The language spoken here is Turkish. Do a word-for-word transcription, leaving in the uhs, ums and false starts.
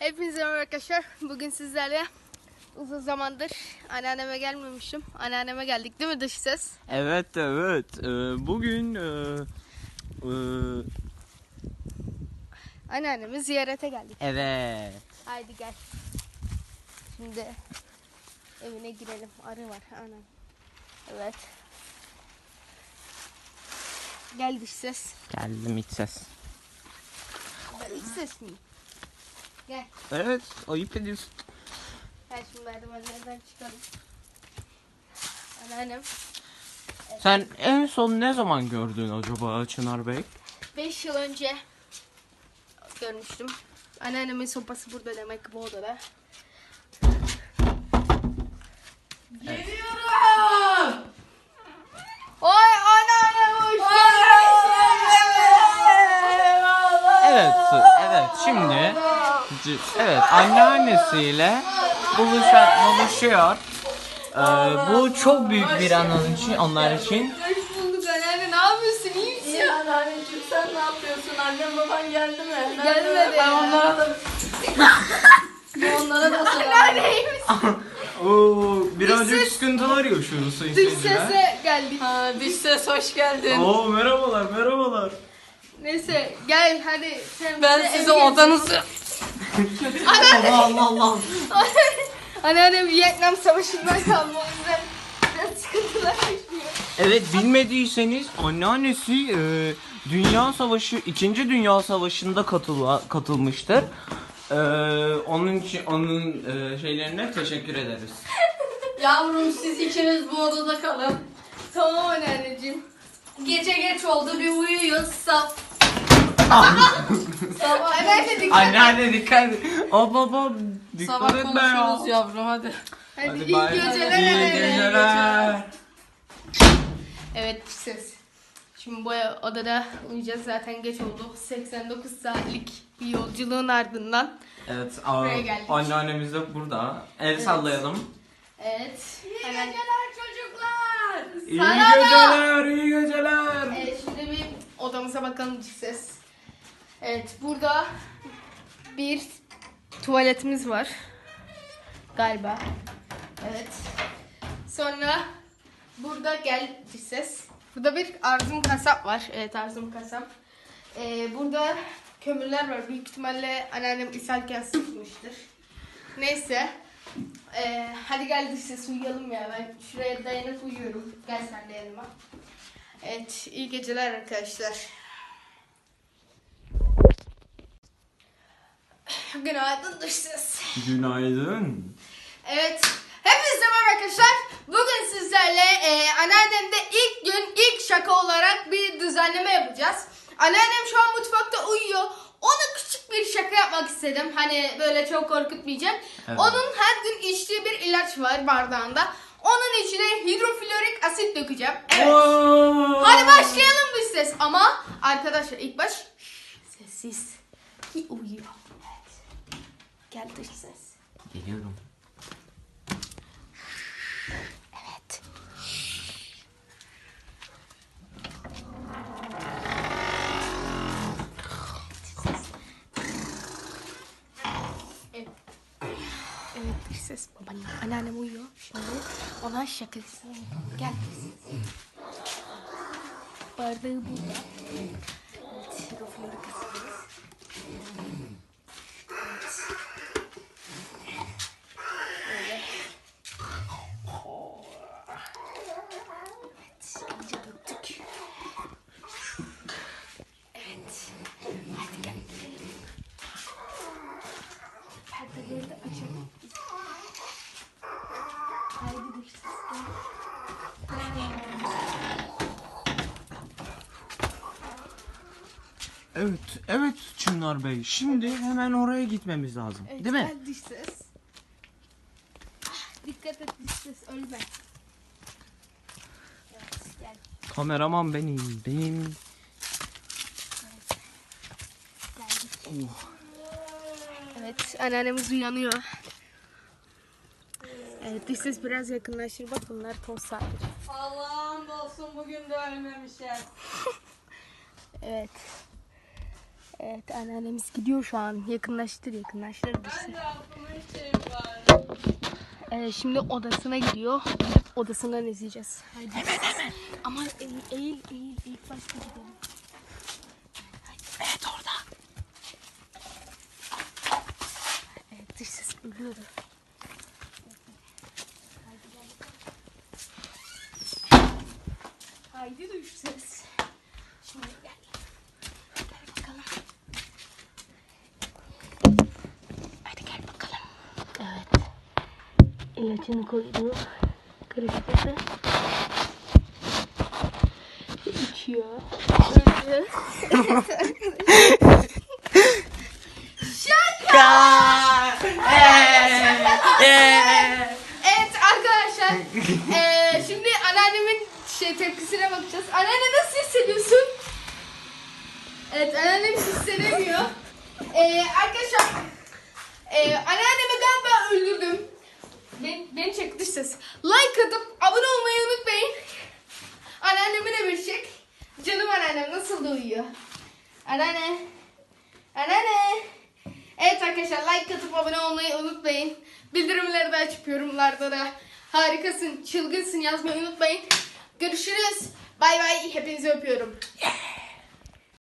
Hepinize merhaba arkadaşlar. Bugün sizlerle uzun zamandır anneanneme gelmemişim. Anneanneme geldik değil mi dış ses? Evet evet. Ee, bugün e, e, Anneannemi ziyarete geldik. evet. Haydi gel. Şimdi evine girelim. Arı var. Anam. Evet. Gel dış ses. Geldim iç ses. Ben iç ses miyim? Gel. Evet, ayıp ediyorsun. Gel şimdi merdivenlerden çıkalım. Anneannem Sen en son ne zaman gördün acaba Çınar Bey? beş yıl önce görmüştüm. Anneannemin sopası burada demek ki bu odada. Geliyorum. Oy anneannem hoş geldin. Evet, evet. Şimdi c- evet anneannesiyle buluşa, buluşuyor. Ee, bu çok büyük bir an onun için, onlar için. Hoş bulduk anneanne, ne yapıyorsun, iyi misin? İyi anneanneciğim, sen ne yapıyorsun? Annem baban geldi mi? Nerede? Gelmedi Ben ya. onlara da... Ben onlara da selam. Anneanne iyi misin? Oo, birazcık Dış ses- sıkıntılar yaşıyoruz sayın Dış seyirciler. sese geldik. Ha, dış ses hoş geldin. Oo, merhabalar, merhabalar. Neyse gel hadi sen Ben bize size evi gez. odanızı... Allah Allah Allah. Anneannem Vietnam Savaşı'ndan kalma, o yüzden biraz sıkıntılar yaşıyor. Evet, bilmediyseniz anneannesi e, Dünya Savaşı, İkinci Dünya Savaşı'nda katıla, katılmıştır. E, onun için onun e, şeylerine teşekkür ederiz. Yavrum, siz ikiniz bu odada kalın. Tamam anneanneciğim. Gece geç oldu, bir uyuyun. Sab... Sabah Anneanne dikkat et. Anneanne dikkat et. Aa baba dikkat Sabah et be ya. konuşuruz yavrum, hadi. Hadi, Hadi iyi bay. geceler İyi anneanne. geceler. Evet ses. Şimdi bu odada uyuyacağız, zaten geç oldu. seksen dokuz saatlik bir yolculuğun ardından. Evet, aa, Buraya geldik. anneannemiz de burada. El sallayalım. Evet. İyi Hemen- geceler çocuklar. İyi Sana da. geceler, iyi geceler. Evet, şimdi bir odamıza bakalım ses. Evet, burada bir tuvaletimiz var. Galiba. Evet. Sonra burada gel ses. Burada bir Arzum kasap var. Evet, Arzum kasap. Ee, burada kömürler var. Büyük ihtimalle anneannem ishalken sıkmıştır. Neyse. Ee, hadi gel dış ses uyuyalım ya. Ben şuraya dayanıp uyuyorum. Gel sen de yanıma. Evet, iyi geceler arkadaşlar. Günaydın dış ses. Günaydın. Evet, hepinize merhaba arkadaşlar. Bugün sizlerle e, anneannemde ilk gün ilk şaka olarak bir düzenleme yapacağız. Anneannem şu an mutfakta uyuyor. Ona küçük bir şaka yapmak istedim. Hani böyle çok korkutmayacağım. Evet. Onun her gün içtiği bir ilaç var bardağında. Onun içine hidroflorik asit dökeceğim. Evet. Oo. Hadi başlayalım bir ses. Ama arkadaşlar ilk baş şşş, sessiz. Ki uyuyor. Evet. Gel dış ses. Geliyorum. Evet. Evet. Evet dış ses. Babaannem, anneannem uyuyor. Şimdi ona şakasını yapalım. Gel dış ses. Bardağı burada. Evet. Hidroflorik asitimiz. Öyle. Evet, iyice döktük. Evet. Hadi gel. Perdeleri de açalım. Haydi dış ses. Evet, evet Çınar Bey. Şimdi hemen oraya gitmemiz lazım. Evet, Değil mi? gel dış ses. Ah, dikkat et dış ses, ölme. Evet, gel. Kameraman benim, benim. Geldik. Evet, anneannemiz uyanıyor. Evet, dış ses biraz yakınlaşır. Bak bunlar toz saati. Allah'ım olsun, bugün de ölmemişler. Evet. Evet, anneannemiz gidiyor şu an. Yakınlaştır, yakınlaştır. Ben de aklıma bir şey var. Ee, şimdi odasına gidiyor. Gidip odasından izleyeceğiz. Haydi. Hemen hemen. Aman eğil, eğil, eğil. İlk başta gidelim. Evet orada. Evet, dış ses ölüyordu. Haydi dış ses. Şimdi gel. Gel bakalım. Hadi gel bakalım. Evet. İlacını koydu. Karıştırdı. İçiyor. Öldü. Şaka. Evet arkadaşlar. eee, şimdi anneannemin şey tepkisine bakacağız. Anneanne nasıl hissediyorsun? Evet, anneannem hiç hissedemiyor. Eee arkadaşlar. Eee anneannemi galiba öldürdüm. Ben, beni çek dış ses. Like atıp abone olmayı unutmayın. Anneannemi de bir çek. Canım anneannem nasıl da uyuyor. Anneanne. Anneanne. Evet arkadaşlar, like atıp abone olmayı unutmayın. Bildirimleri de açıp yorumlarda da harikasın, çılgınsın yazmayı unutmayın. Görüşürüz. Bay bay. Hepinizi öpüyorum.